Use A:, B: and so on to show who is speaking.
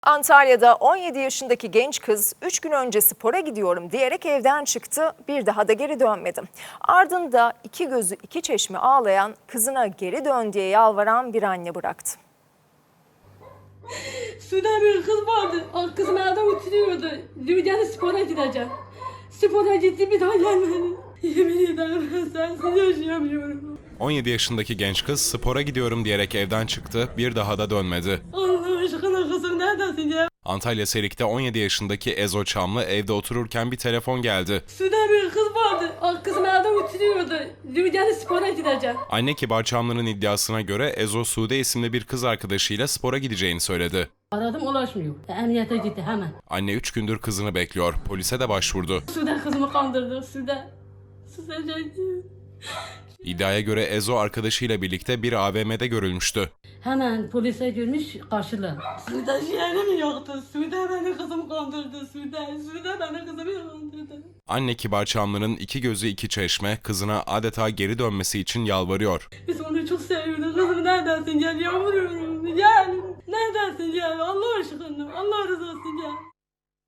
A: Antalya'da 17 yaşındaki genç kız 3 gün önce spora gidiyorum diyerek evden çıktı, bir daha da geri dönmedi. Ardında iki gözü iki çeşme ağlayan, kızına geri dön diye yalvaran bir anne bıraktı.
B: Suda bir kız vardı. Kızım evde oturuyordu. Diyor spora gideceğim. Spora gitti, bir daha gelmedi. Yemin ederim ben sensiz yaşayamıyorum.
C: 17 yaşındaki genç kız spora gidiyorum diyerek evden çıktı, bir daha da dönmedi.
B: Allah aşkına kızım neredesin ya?
C: Antalya Serik'te 17 yaşındaki Ezo Çamlı evde otururken bir telefon geldi.
B: Suda bir kız vardı. Kızım evde oturuyordu. Diyor spora gideceğim.
C: Anne Kibar Çamlı'nın iddiasına göre Ezo Sude isimli bir kız arkadaşıyla spora gideceğini söyledi.
B: Aradım, ulaşmıyor. Emniyete gitti hemen.
C: Anne 3 gündür kızını bekliyor, polise de başvurdu.
B: Suda kızımı kandırdı. Suda çekti.
C: İddiaya göre Ezo arkadaşıyla birlikte bir AVM'de görülmüştü.
B: Hemen polise girmiş, karşılar. Suda yerim yoktu. Suda beni kızım kandırdı. Suda beni kızımı kandırdı.
C: Anne Kibar Çamlı'nın iki gözü iki çeşme kızına adeta geri dönmesi için yalvarıyor.
B: Biz onu çok seviyorduk. Kızım neredesin? Gel yavrum.